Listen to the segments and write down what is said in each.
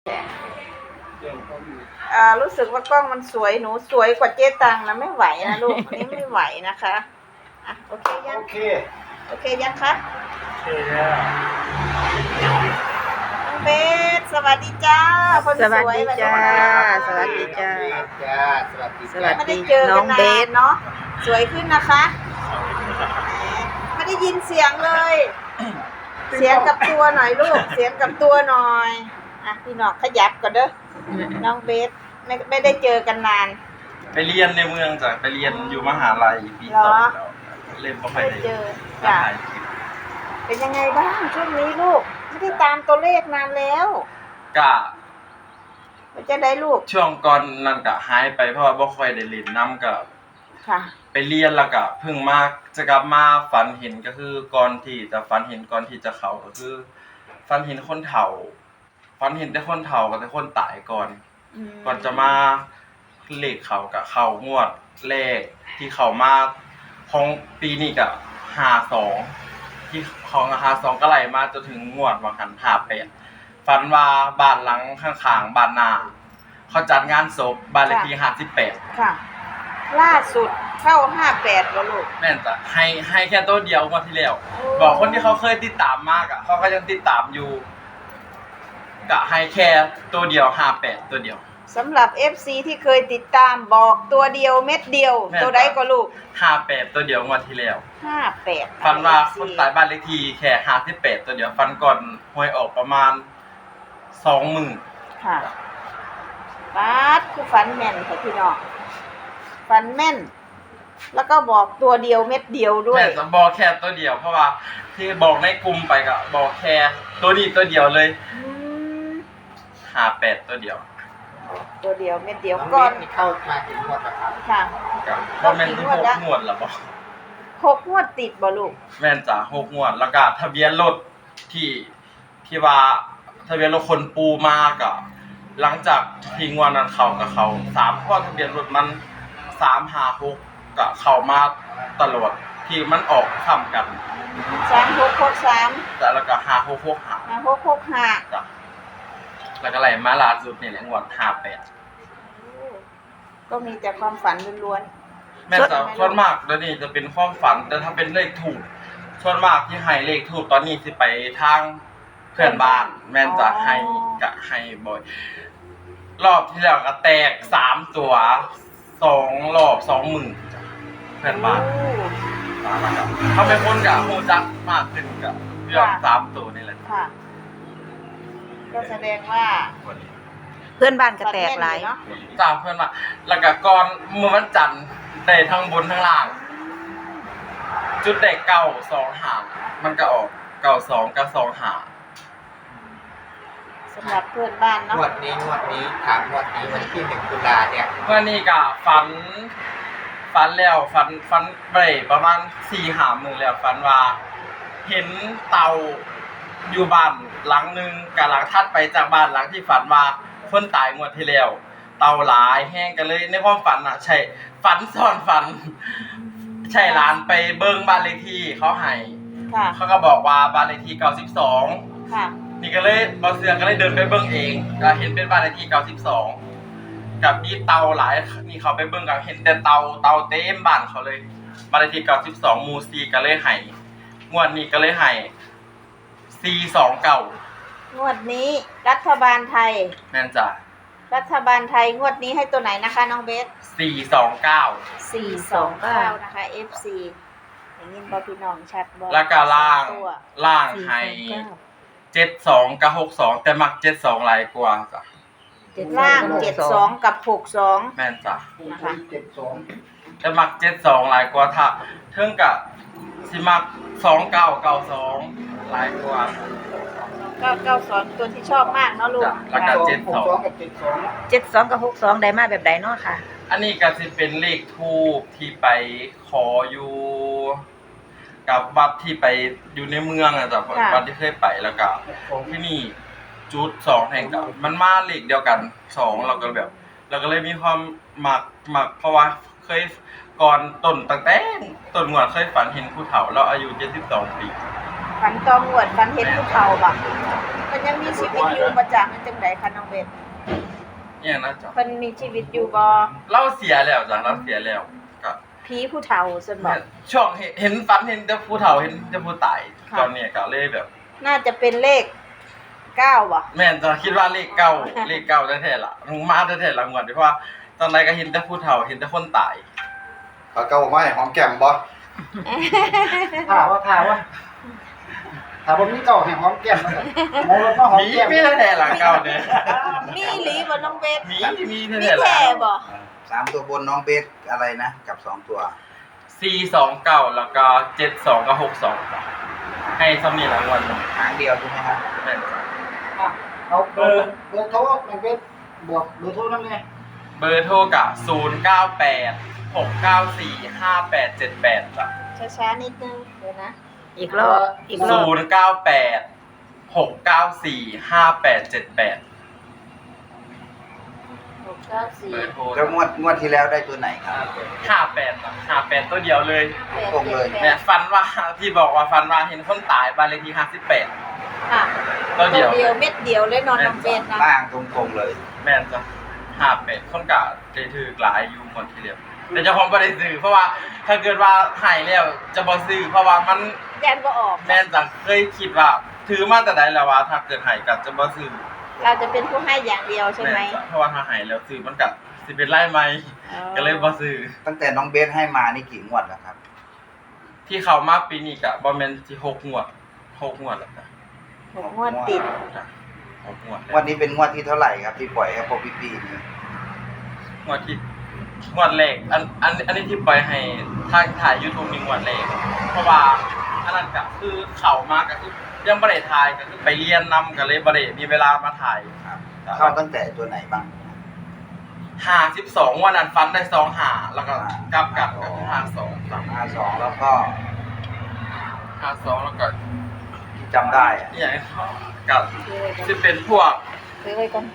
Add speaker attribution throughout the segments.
Speaker 1: รู้สึกว่ากล้องมันสวยหนูสวยกว่าเจ๊ตังนะไม่ไหวนะลูกอันนี้ไม่ไหวนะคะโอเคยังโอเคยังคะน้องเบสสวัสดีจ้าคนสวยสวัสดีจ้า
Speaker 2: สวัสดีจ้า
Speaker 1: ไม่ได้เจอกันนานเนาะสวยขึ้นนะคะไม่ได้ยินเสียงเลยเสียงกับตัวหน่อยลูกเสียงกับตัวหน่อยพี่น้องขยับก่อนเด้อน้องเบสไม่ได้เจอกันนาน
Speaker 2: ไปเรียนในเมืองจ้ะไปเรียนอยู่มหาลัยปี2แล้วเล่นบ่ค่อยได้
Speaker 1: เจอจ้ะเป็นยังไงบ้างช่วงนี้ลูกไม่ได้ตามตัวเลขนานแล้ว
Speaker 2: ก็
Speaker 1: จะได้ลูก
Speaker 2: ช่วงก่อนนั่นก็หายไปเพราะว่าบ่ค่อยได้เล่นน้ำกับ
Speaker 1: ค่ะ
Speaker 2: ไปเรียนแล้วก็เพิ่งมาจะกลับมาฝันเห็นก็คือก่อนที่จะฝันเห็นก่อนที่จะเข้าก็คือฝันเห็นคนเฒ่าฝันเห็นแต่คนเฒ่ากับแต่คนตายก่อนจะมาเลขเขากับเขางวดเลขที่เขามาของปีนี้กับ52ที่ของ52ก็ไหลมาจนถึงงวดวังหัน58ฝันว่าบ้านหลังข้างๆบ้านนาเขาจัดงานศพบ้านเลขที่58
Speaker 1: ค่ะล่าสุดเข้า58แล้วลูก
Speaker 2: แม่นจ้ะให้แค่ตัวเดียวงวดที่แล้วบอกคนที่เขาเคยติดตามมากอ่ะเขาก็ยังติดตามอยู่ก็ให้แค่ตัวเดียว58ตัวเดียว
Speaker 1: สำหรับ FC ที่เคยติดตามบอกตัวเดียวเม็ดเดียวตัวใดก็ลูก
Speaker 2: 58ตัวเดียวงวดที่แล้ว
Speaker 1: 58
Speaker 2: ฟันว่าคนตายบ้านเลขที่แค่58ตัวเดียวฟันก่อนหวยออกประมาณ20,000
Speaker 1: ค่ะบาดคือฝันแม่นค่ะพี่น้องฝันแม่นแล้วก็บอกตัวเดียวเม็ดเดียวด้วย
Speaker 2: แม่จะบอกแค่ตัวเดียวเพราะว่าที่บอกในกลุ่มไปก็บอกแค่ตัวนี้ตัวเดียวเลย58ตัวเดียว
Speaker 1: เม็ดเดียวก่อน
Speaker 3: เข้ามาถึงงวดแล้วครับ
Speaker 1: ค่ะ
Speaker 2: ก็แม่นที่6งวดแล้วบ่
Speaker 1: 6งวดติดบ่ลูก
Speaker 2: แม่นจ้ะ6งวดแล้วก็ทะเบียนรถที่ว่าทะเบียนรถคนปูมาก็หลังจากที่งวดนั้นเข้ากับเขา3ข้อทะเบียนรถมัน356ก็เข้ามาตลอดที่มันออกค้ำกัน
Speaker 1: 3663
Speaker 2: แต่แล้วก็5665จ้ะแล้วก็ไหลมาล่าสุดนี่แหละงวด58
Speaker 1: ก็มีแต่ความฝันล้วน
Speaker 2: ๆแม่นจ้ะส่วนมากเดี๋ยวนี้จะเป็นความฝันแต่ถ้าเป็นเลขถูกส่วนมากที่ให้เลขถูกตอนนี้สิไปทางเพื่อนบ้านแม่นจะให้บ่อยรอบที่แล้วก็แตก3ตัว2รอบ20,000จ้ะเพื่อนบ้านนะครับเขาเป็นคนกับฮู้จักมากขึ้นกับเรื่อง3ตัวนี่แหละ
Speaker 1: ค่ะก็แสดงว่า
Speaker 4: เพื่อนบ้านก็แตกหลาย
Speaker 2: จ้าเพื่อนบ้านแล้วก็ก่อนมื้อวันจันทร์ได้ทั้งบนทั้งล่างจุดได้925มันก็ออก92กับ25
Speaker 1: สำหรับเพื่อนบ้านเนาะ
Speaker 3: งวดนี้ถามงวดนี้วันที่1ตุลาเนี่ย
Speaker 2: เมื่อนี้ก็ฝันแล้วฝันไปประมาณ 4-5 มื้อแล้วฝันว่าเห็นเต่าอยู่บ้านหลังนึงกับหลังถัดไปจากบ้านหลังที่ฝันว่าคนตายงวดที่แล้วเต่าหลายแห้งกันเลยในความฝันน่ะใช่ฝันซ้อนฝันใช่หลานไปเบิ่งบ้านเลขที่เขาให้เขาก็บอกว่าบ้านเลขที่92
Speaker 1: ค่ะ
Speaker 2: นี่ก็เลยบ่เชื่อก็เลยเดินไปเบิ่งเองก็เห็นเป็นบ้านเลขที่92กับมีเต่าหลายนี่เขาไปเบิ่งก็เห็นแต่เต่าเต็มบ้านเขาเลยบ้านเลขที่92หมู่4ก็เลยให้งวดนี้ก็เลยให้429
Speaker 1: งวดนี้รัฐบาลไทย
Speaker 2: แม่นจ้ะ
Speaker 1: รัฐบาลไทยงวดนี้ให้ตัวไหนนะคะน้องเบส429นะคะ FC อย่างนี้บ่พี่น้องชัดบ่
Speaker 2: แล้วก็ล่างให้72กับ62แต่มัก72หลายกว่าจ้ะ
Speaker 1: ล่าง72กับ62
Speaker 2: แม่นจ้ะ
Speaker 1: นะคะ
Speaker 2: 72แต่มัก72หลายกว่าถ้าเทิงก็สิมัก2992หลายกว่า
Speaker 1: 992ตัวที่ชอบมากเนาะลูก
Speaker 2: แล้วก็
Speaker 4: 72กับ62ได้มาแบบใดเนาะค่ะ
Speaker 2: อันนี้ก็สิเป็นเลขทูปที่ไปขออยู่กับวัดที่ไปอยู่ในเมืองอ่ะจ้ะวัดที่เคยไปแล้วก็ที่นี่จุด2แห่งกับมันมาเลขเดียวกัน2เราก็แบบเราก็เลยมีความมักเพราะว่าเคยก่อนตั้งแต่ต้นงวดเคยฝันเห็นผู้เฒ่าเราอายุ72ปี
Speaker 1: ฝันตองวดฝันเห็นภูเขาบ่มันยังมีชีวิตอยู่บ่จ้ะมันจังไดคะน้องเบส
Speaker 2: เนี่ยนะจ๊ะ
Speaker 1: เพิ่นมีชีวิตอยู่บ่
Speaker 2: เราเสียแล้วจ้ะเราเสียแล้วก็
Speaker 1: ผีผู้เฒ่าซั่นบ่
Speaker 2: ช่วงเห็นฝันเห็นแต่ผู้เฒ่าเห็นแต่ผู้ตาย
Speaker 1: ค่ะ
Speaker 2: ตอนนี้ก็เลยแบบ
Speaker 1: น่าจะเป็นเลข9บ่
Speaker 2: แม่นจะคิดว่าเลขเก้าเลขเก้าแท้ๆล่ะมึงมาแท้ๆล่ะงวดเพราะว่าตอนไหนก็เห็นแต่ผู้เฒ่าเห็นแต่คนตาย
Speaker 5: เขาเก่ามาให้หอมแก้มบ่
Speaker 3: ถามว่าถามว่ามีเก่าแห่งหอมแก้มมาเลยมองรถมาหอม
Speaker 2: มี
Speaker 3: แก้ม
Speaker 2: มีแท้ๆล่ะเก้าเด้อ
Speaker 1: มีอีหลีบ่น้องเบส
Speaker 2: มี
Speaker 1: มี
Speaker 2: แท้ๆล่ะ
Speaker 1: แท้บ่
Speaker 5: 3ตัวบนน้องเบสอะไรนะกับ2ตัว
Speaker 2: 429แล้วก็72กับ62ให้ซ้ำนี่ละงวดหนึ่ง
Speaker 5: หางเดียวใช่ไหมครับ
Speaker 2: แม่นจ้ะ
Speaker 3: เอาเบอร์โทรมันเป็นบวกเบอร์โทรนั่นไง
Speaker 2: เบอร์โทรกะ098 694 5878จ้ะ
Speaker 1: ช้าๆนิดนึงเดี๋ยวนะ
Speaker 4: อีกรอบอีกรอบ
Speaker 2: 098 694 5878
Speaker 1: 694
Speaker 2: เบอร์โทร
Speaker 5: แล้วงวดที่แล้วได้ตัวไหนครับ
Speaker 2: 58จ้ะ58ตัวเดียวเลย
Speaker 5: ตรงเลย
Speaker 2: แม่ฟันว่าที่บอกว่าฟันว่าเห็นคนตายบ้านเลขที่58
Speaker 1: ค่ะ
Speaker 2: ตัวเดียว
Speaker 1: เม็ดเดียวเลยนอนน้องเบสนะ
Speaker 5: ล่างตรงๆเลย
Speaker 2: แม่นจ้ะ58คนกะได้ถือหลายอยู่หมดทีเดียวแต่เจ้าของบ่ได้ซื้อเพราะว่าถ้าเกิดว่าหายแล้วจะบ่ซื้อเพราะว่ามัน
Speaker 1: แดนบ่ออก
Speaker 2: แม่นจังเคยคิดว่าถือมาแต่ใดแล้วว่าถ้าเกิดหายก็จะบ่ซื้อ
Speaker 1: เราจะเป็นผู้ให้อย่างเดียวใช่ไหม
Speaker 2: แม่นจ้ะเพราะว่าถ้าหายแล้วซื้อมันก็สิเป็นไรไหมก็เลยบ่ซื้อ
Speaker 5: ตั้งแต่น้องเบสให้มานี่กี่งวดแล้วครับ
Speaker 2: ที่เข้ามาปีนี้ก็บ่แม่นสิ6งวด6งวดแล้วจ้ะ
Speaker 1: 6 งวดติด
Speaker 2: จ้ะ6งวดแล้ว
Speaker 5: วันนี้เป็นงวดที่เท่าไหร่ครับที่ปล่อยให้พวกพี่ๆนี่
Speaker 2: งวดที่งวดแรกอันนี้ที่ปล่อยให้ทางถ่าย YouTube นี่งวดแรกเพราะว่าอันนั้นก็คือเข้ามาก็คือยังบ่ได้ถ่ายก็คือไปเรียนนำก็เลยบ่ได้มีเวลามาถ่าย
Speaker 5: ครับเข้าตั้งแต่ตัวไหนบ้าง
Speaker 2: 52วันนั้นฟันได้25แล้วก็กลับก็คือ52ครับ
Speaker 5: 52แล้วก็
Speaker 2: 52แล้วก็
Speaker 5: จำได้อะ
Speaker 2: อหย่างกับสิเป็นพวก
Speaker 1: ซื้อไว้ก่อนไป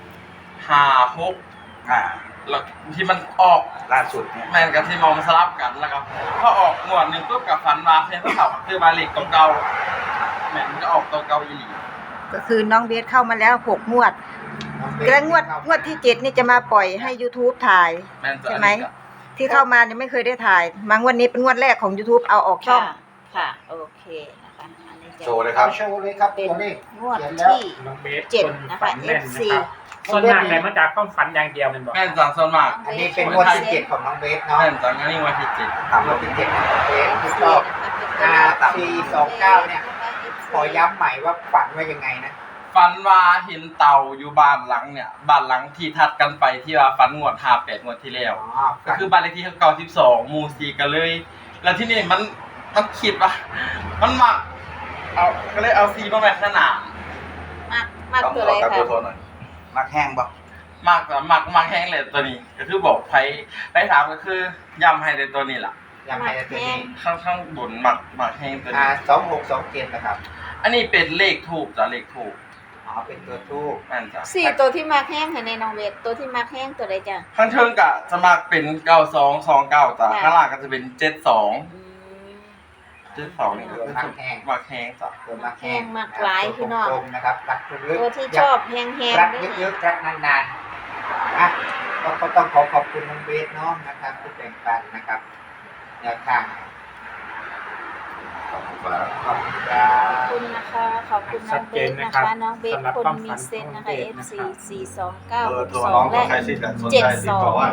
Speaker 2: 56
Speaker 5: อ่า
Speaker 2: แล้วที่มันออก
Speaker 5: ล่าสุดเนี่ย
Speaker 2: แม่นกับที่มองสลับกันแล้วก็พอออกงวดหนึงปุ๊บกับฟันมาเพิ่นก็เข้าคือบาเลขเก่าๆแม่นมันก็ออกตัวเก่าอีหลี
Speaker 4: ก็คือน้องเบสเข้ามาแล้ว6งวดแล้วงวดที่7นี่จะมาปล่อยให้ YouTube ถ่าย
Speaker 2: แม่นจะ
Speaker 4: ใช่ไหม ที่เข้ามายังไม่เคยได้ถ่ายมางวดนี้เป็นงวดแรกของ YouTube เอาออกช่อง
Speaker 1: ค่ะโอเคนะคะอันนี้จะ
Speaker 5: โชว์เลยครับ
Speaker 3: โชว์เลยครับ
Speaker 1: เป็น
Speaker 3: ตัวเลข
Speaker 1: งวด
Speaker 3: เขียนแล้ว
Speaker 1: ที่
Speaker 6: น้องเบส
Speaker 1: 7นะคะ FC
Speaker 6: ส่วนมากเลยมาจากความฝันอย่างเดียวแมันบอก
Speaker 2: แม่นจังส่วนมาก
Speaker 3: อันนี้เป็นงวดที่7ของน้องเบสเนาะ
Speaker 2: แม่นจังอันนี้งวดที่7
Speaker 3: งวดที่7ของน้องเบสที่ชอบ 429เนี่ยขอย้ำใหม่ว่าฝันว่ายังไงนะ
Speaker 2: ฟันว่าเห็นเต่าอยู่บ้านหลังเนี่ยบ้านหลังที่ทัดกันไปที่ว่าฟันงวด58งวดที่แล้ว ก็คือบ้านเลขที่92หมู่4กันเลย แล้วที่นี่มันคิดว่ามันมักเอาก็เลยเอา4มาแบ่งขนาด
Speaker 1: มากตัวอะไรคะ
Speaker 5: มักแห้งบ่
Speaker 2: มักแห้งเลยตัวนี้ ก็คือบอกไปถามก็คือย่ำให้ในตัวนี้ล่ะ
Speaker 3: ยังไงตัวนี้
Speaker 2: ข้างบนมักแห้งตัวนี้
Speaker 3: 2627นะครับ
Speaker 2: อันนี้เป็นเลขทูบจ้ะเลขทูบ
Speaker 3: อ๋อเป็นตัวทูบ
Speaker 2: นั่นจ้ะ
Speaker 1: 4ตัวที่มาแห้งค่ะในน้องเบสตัวที่มาแห้งตัวใดจ้ะ
Speaker 2: ข้างเทิงกะจะมักเป็น9229จ้ะ
Speaker 1: ค่ะ
Speaker 2: ข้างล่างก็จะเป็น72
Speaker 1: อืม
Speaker 2: 72นี่ก็คือมักแห้งจ้ะ
Speaker 3: ตัวมาแห้ง
Speaker 1: แห้งมากหลายพี่น้อง
Speaker 3: ตรงๆนะครับรักลึกๆ
Speaker 1: ตัวที่ชอบแห้งๆ
Speaker 3: รัก
Speaker 1: ด้วย
Speaker 3: เยอะๆรักนานๆอ่ะก็ต้องขอบคุณน้องเบสเนาะนะครับที่แบ่งปันนะครับแนวทางขอบคุณครับ
Speaker 1: ขอบคุณนะคะขอบคุณน้องเบสนะคะน้องเบสคนมีเซนนะคะ FC 429
Speaker 5: เบอร์โทร
Speaker 1: 62
Speaker 5: น้อง
Speaker 1: และ
Speaker 5: ใครที่สนใจติดต่อว่า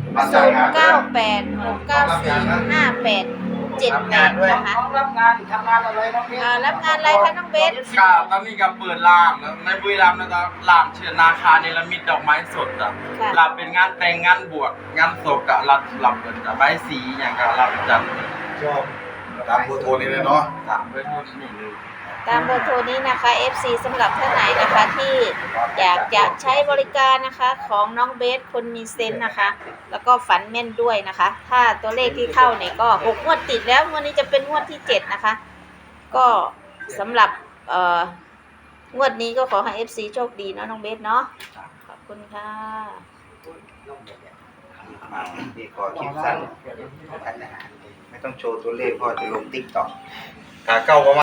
Speaker 1: 0986945878นะคะ
Speaker 3: น้องรับงานทำงานอะไรน้องเบส
Speaker 1: รับงานอะไรคะน้องเบส
Speaker 2: ก็ตอนนี้ก็เปิดร้านแล้วในบุรีรัมย์นะครับร้านเชิญนาคาเนรมิตดอกไม้สดจ้ะ
Speaker 1: ค่ะ
Speaker 2: รับเป็นงานแต่งงานบวชงานศพก็รับเปิดจ้ะใบสีอย่างก็รับจัด
Speaker 3: ชอบ
Speaker 5: ตามเบอร์โทรนี้เลยเนาะ
Speaker 2: ตามด้วยทุนนี่เลย
Speaker 1: ตามเบอร์โทรนี้นะคะ FC สำหรับท่านไหนนะคะที่อยากจะใช้บริการนะคะของน้องเบสคนมีเซนส์นะคะ แล้วก็ฝันแม่นด้วยนะคะ ถ้าตัวเลขที่เข้าเนี่ยก็6งวดติดแล้วงวดนี้จะเป็นงวดที่7นะคะ ก็สำหรับงวดนี้ก็ขอให้ FC โชคดีเนาะน้องเบสเนาะขอบคุณค่ะ
Speaker 5: มาดีกว่าคลิปสั้นไม่ต้องโชว์ตัวเลขเพราะจะลงติ๊กต็อก
Speaker 2: ขาเก้าประมาณ